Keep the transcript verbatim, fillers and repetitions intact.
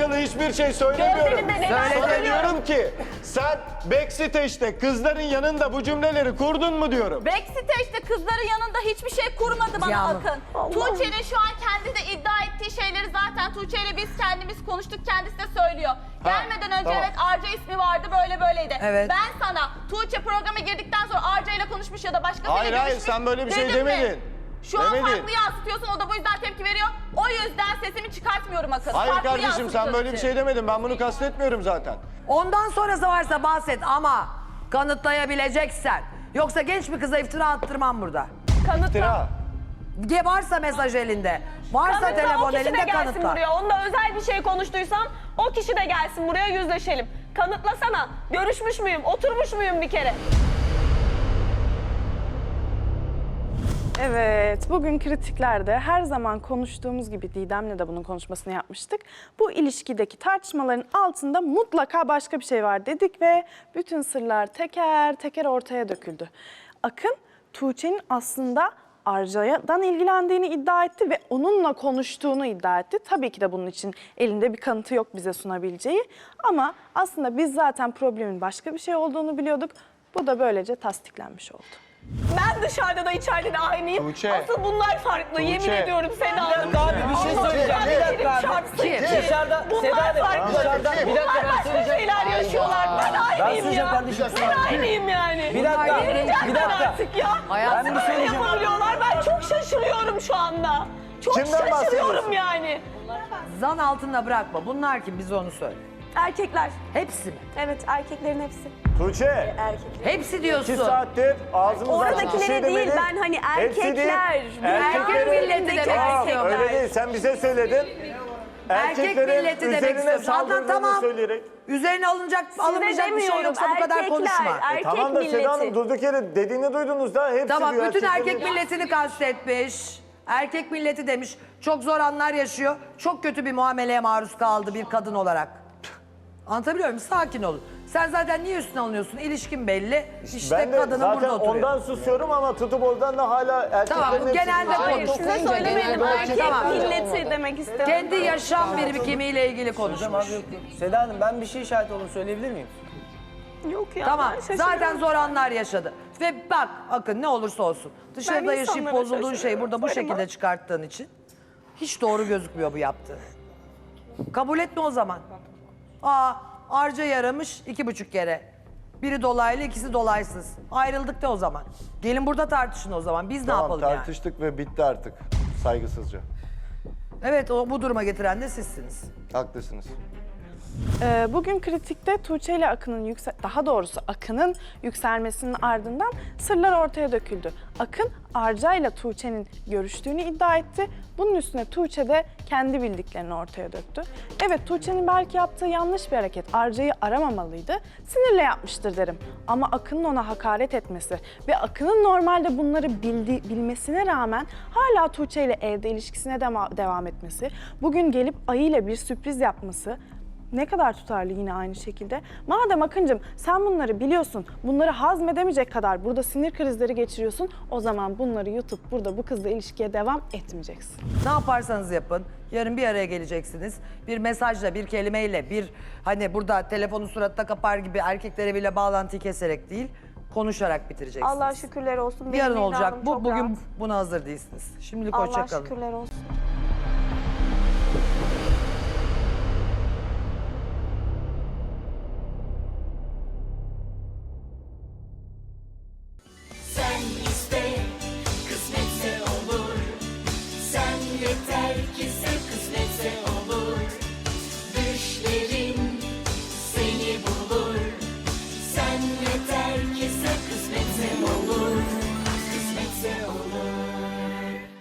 alakalı hiçbir şey söylemiyorum. Gözlerinde neden Sana söylüyorum? diyorum ki sen backstage'de kızların yanında bu cümleleri kurdun mu diyorum. Backstage'de kızların yanında hiçbir şey kurmadı bana Yağmur. Akın. Tuğçe'nin şu an kendi de iddia ettiği şeyleri zaten Tuğçe ile biz kendimiz konuştuk, kendisi de söylüyor. Ha, Gelmeden önce tamam. evet Arca ismi vardı, böyle böyleydi. Evet. Ben sana Tuğçe programa girdikten sonra Arca ile konuşmuş ya da başkasıyla Hayır, hayır, görüşmüş sen böyle bir şey dedim mi? demedin. Şu an Demedin. farklı yansıtıyorsun, o da bu yüzden tepki veriyor. O yüzden sesimi çıkartmıyorum Akın. Hayır Farklı kardeşim sen yansıtıyorsun. böyle bir şey demedin. Ben bunu kastetmiyorum zaten. Ondan sonrası varsa bahset ama kanıtlayabileceksen. Yoksa genç bir kıza iftira attırmam burada. Kanıtla. İftira. Ge- Varsa mesaj elinde, varsa Kanıtla, o telefon kişi de elinde gelsin kanıtla. buraya. Onunla özel bir şey konuştuysam o kişi de gelsin buraya, yüzleşelim. Kanıtlasana. Görüşmüş müyüm? Oturmuş muyum bir kere? Evet, bugün kritiklerde her zaman konuştuğumuz gibi Didem'le de bunun konuşmasını yapmıştık. Bu ilişkideki tartışmaların altında mutlaka başka bir şey var dedik ve bütün sırlar teker teker ortaya döküldü. Akın, Tuğçe'nin aslında Arca'dan ilgilendiğini iddia etti ve onunla konuştuğunu iddia etti. Tabii ki de bunun için elinde bir kanıtı yok bize sunabileceği. Ama aslında biz zaten problemin başka bir şey olduğunu biliyorduk. Bu da böylece tasdiklenmiş oldu. Ben dışarıda da içeride de aynıyım. Tuğçe. Asıl bunlar farklı. Yemin Tuğçe. ediyorum Seda Hanım. Abi bir şey söyleyeceğim. Bir dakika abi. Çarpsın. Dışarıda Bunlar Seda Hanım. farklı. Dışarıda bir dakika Bunlar ben başka söyleyeceğim. şeyler yaşıyorlar. Ben aynıyım söyleyeceğim ya. kardeşim. Ben aynıyım yani. Bir dakika. Verecekler Bir dakika. artık ya. Hayatım, Ben bir Nasıl şey böyle diyeceğim. yapabiliyorlar? Ben çok şaşırıyorum şu anda. Çok Kimden şaşırıyorum bahsediyorsun? yani. Zan altında bırakma. Bunlar kim? Bize onu söyle. Erkekler. Hepsi mi? Evet, erkeklerin hepsi. Tuğçe. Hepsi diyorsun. İki saattir ağzımızdan açık bir Oradakilere şey değil, demedin. ben hani Hepsi değil. erkekler. Erkek Erkeklerin- milleti demek Tamam, istiyorum. öyle değil. Sen bize söyledin. Erkek Erkeklerin milleti demek üzerine istiyorum. Zaten saldırdığını tamam. söyleyerek. Üzerine alınacak, alınmayacak bir şey demiyorum, yoksa bu kadar erkekler, konuşma. erkek Tamam da Seda Hanım milleti. durduk yere dediğini duydunuz da hepsi Tamam, diyor. bütün erkek erkeklerin- milletini kastetmiş. Erkek milleti demiş. Çok zor anlar yaşıyor. Çok kötü bir muameleye maruz kaldı bir kadın olarak. Anlatabiliyor muyum? Sakin olun. Sen zaten niye üstüne alınıyorsun? İlişkin belli. İşte Ben de kadının zaten burada oturuyor. ondan susuyorum ama tutup oradan da hala erkeklerin Tamam, bu hepsi genelde diyor. Hayır, Size söylemedim, erkek Tamam. milleti demek istiyorum. Kendi yaşam birikimiyle ilgili konuşmuş. Hocam abi yok yok. Seda Hanım ben bir şey şahit olduğunu söyleyebilir miyim? Yok ya, Tamam, ben şaşırıyorum. zaten zor anlar yaşadı. Ve bak Akın ne olursa olsun. Dışarıda Ben yaşayıp insanlara bozulduğun şeyi şaşırıyorum, burada bu sorma. şekilde çıkarttığın için hiç doğru gözükmüyor bu yaptığın. Kabul etme o zaman. Aa, Arca yaramış iki buçuk kere. Biri dolaylı, ikisi dolaysız. Ayrıldık da o zaman. Gelin burada tartışın o zaman. Biz ne Tamam yapalım yani? tartıştık ve bitti artık. Saygısızca. Evet, o bu duruma getiren de sizsiniz. Haklısınız. Ee, bugün kritikte Tuğçe ile Akın'ın yüksel, daha doğrusu Akın'ın yükselmesinin ardından sırlar ortaya döküldü. Akın Arca ile Tuğçe'nin görüştüğünü iddia etti. Bunun üstüne Tuğçe de kendi bildiklerini ortaya döktü. Evet, Tuğçe'nin belki yaptığı yanlış bir hareket. Arca'yı aramamalıydı. Sinirle yapmıştır derim. Ama Akın'ın ona hakaret etmesi ve Akın'ın normalde bunları bildi, bilmesine rağmen hala Tuğçe ile evde ilişkisine dema- devam etmesi, bugün gelip Ayı ile bir sürpriz yapması ne kadar tutarlı yine aynı şekilde. Madem Akıncığım sen bunları biliyorsun, bunları hazmedemeyecek kadar burada sinir krizleri geçiriyorsun, o zaman bunları yutup burada bu kızla ilişkiye devam etmeyeceksin. Ne yaparsanız yapın. Yarın bir araya geleceksiniz. Bir mesajla, bir kelimeyle, bir hani burada telefonu suratına kapar gibi erkeklere bile bağlantıyı keserek değil, konuşarak bitireceksiniz. Allah şükürler olsun. Benim Yarın vicdanım olacak. Bu çok bugün rahat. buna hazır değilsiniz. Şimdilik Allah hoşça kalın. şükürler olsun. Sen iste, kısmetse olur. Sen yeter ki sev, kısmetse olur.